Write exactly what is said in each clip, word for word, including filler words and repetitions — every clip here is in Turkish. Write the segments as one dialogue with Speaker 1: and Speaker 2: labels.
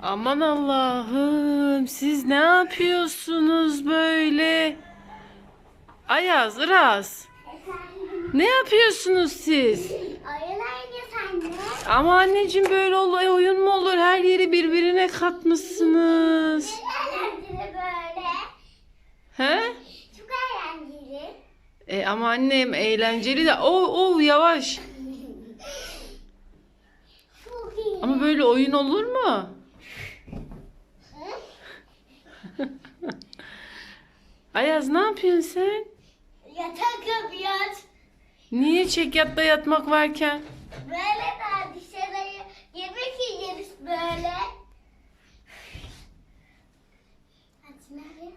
Speaker 1: Aman Allah'ım, siz ne yapıyorsunuz böyle? Ayaz, Iraz, ne yapıyorsunuz siz?
Speaker 2: Oyun oynuyoruz anne.
Speaker 1: Ama anneciğim, böyle olay oyun mu olur? Her yeri birbirine katmışsınız.
Speaker 2: Ne eğlenceli böyle.
Speaker 1: He?
Speaker 2: Çok eğlenceli.
Speaker 1: E ama annem, eğlenceli de. Oh oh, yavaş.
Speaker 2: Çok iyi.
Speaker 1: Ama böyle oyun olur mu? Ayaz, ne yapıyorsun sen?
Speaker 2: Yatak yapıyoruz.
Speaker 1: Niye çekyatta yatmak varken?
Speaker 2: Böyle daha dışarıya yemek yeriz böyle. Hadi nereye?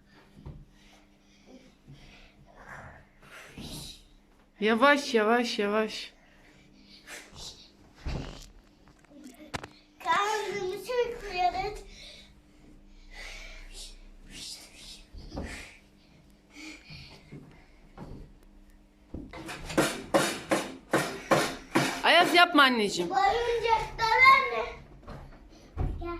Speaker 1: Yavaş yavaş yavaş.
Speaker 2: Karnımızı uykuyoruz.
Speaker 1: Ayaz, yapma anneciğim.
Speaker 2: Oyuncaklar anne. Gel.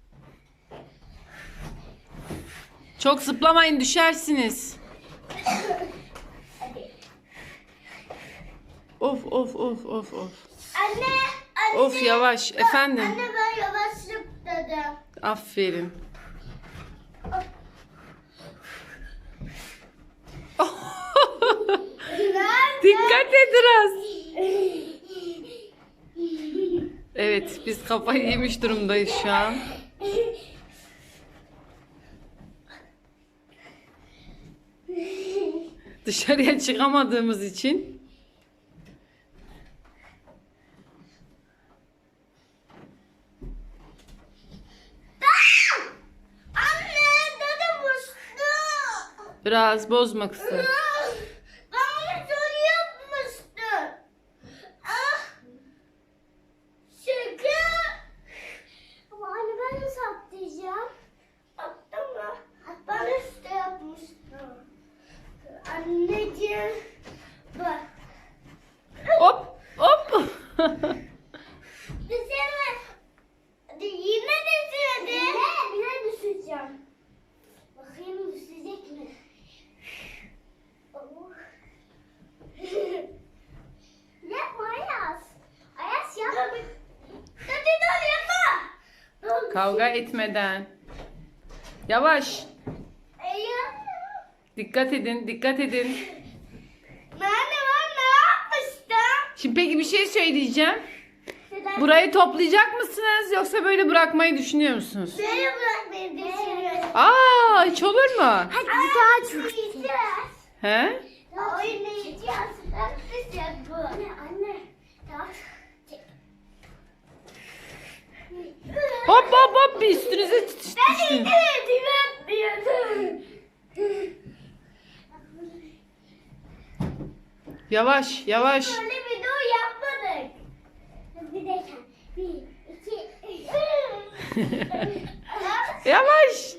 Speaker 1: Çok zıplamayın, düşersiniz.
Speaker 2: Hadi.
Speaker 1: Of of of of of.
Speaker 2: Anne, anne.
Speaker 1: Of, yavaş efendim.
Speaker 2: Anne ben yavaş zıpladım.
Speaker 1: Aferin. Dikkat et biraz. Evet, biz kafayı yemiş durumdayız şu an. Dışarıya çıkamadığımız için.
Speaker 2: Anne, dedem uçtu.
Speaker 1: Biraz bozma kızım.
Speaker 2: Ben onu soru yapmıştım. Ah. Şaka. Ama anne ben nasıl atlayacağım? Attım mı? Ben üstte yapmıştım. Anneciğim. Bak.
Speaker 1: Hop hop.
Speaker 2: Düşeme. Yine düşürdü. Yine, yine düşeceğim. Bakayım düşecek mi? Oh. Yapma Ayaz. Ayaz yapma. Hadi dur yapma. Dur.
Speaker 1: Kavga etmeden. Yavaş.
Speaker 2: Eyvah.
Speaker 1: Dikkat edin, dikkat edin.
Speaker 2: Ben de ben ne yapmıştım?
Speaker 1: Şimdi peki bir şey söyleyeceğim.
Speaker 2: Neden?
Speaker 1: Burayı toplayacak mısınız, yoksa böyle bırakmayı düşünüyor musunuz?
Speaker 2: Böyle bırakmayı düşünüyorum.
Speaker 1: Aa, hiç olur mu?
Speaker 2: Hadi bir daha çok yiyeceğiz.
Speaker 1: He?
Speaker 2: Daha oynayacağız. Arkadaşlar bu. Anne anne. Daha çek.
Speaker 1: Hop hop hop, bir üstünüze
Speaker 2: Ben
Speaker 1: düştün.
Speaker 2: indirdim yapmıyordum.
Speaker 1: Yavaş yavaş.
Speaker 2: Böyle bir dur yapmadık. Bir dakika. Bir, iki, üç.
Speaker 1: Yavaş.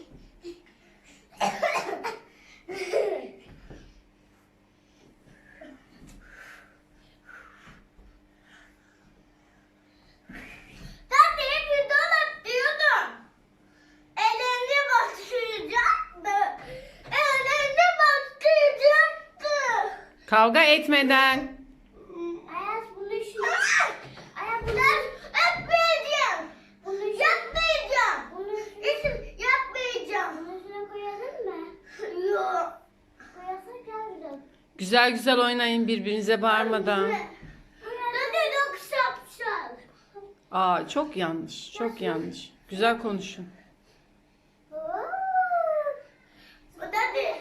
Speaker 2: Ben de hep bir dolap diyordum. Ellerine bastıracaktı. Ellerine bastıracaktı.
Speaker 1: Kavga etmeden.
Speaker 2: Ayaz bunu şu... Ayaz bunu... Yapmayacağım. Bunu yapmayacağım. Bunu İsim yapmayacağım. Bunu şuna koyalım mı? Yok. Koyarsak yavrum.
Speaker 1: Güzel güzel oynayın, birbirinize bağırmadan.
Speaker 2: Dede dok şapşal.
Speaker 1: Aa, çok yanlış, çok yanlış. Güzel konuşun.
Speaker 2: Dede.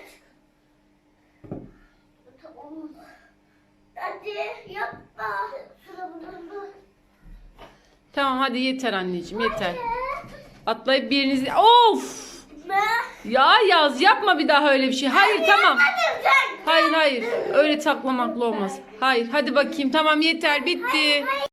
Speaker 2: Dede yapma. Şuna bunu.
Speaker 1: Tamam, hadi yeter anneciğim, yeter. Atlayıp birinizi... Of!
Speaker 2: Ne?
Speaker 1: Ya Yaz, yapma bir daha öyle bir şey. Hayır, tamam.
Speaker 2: Hadi sen.
Speaker 1: Hayır hayır. Öyle taklamakla olmaz. Hayır, hadi bakayım. Tamam, yeter, bitti.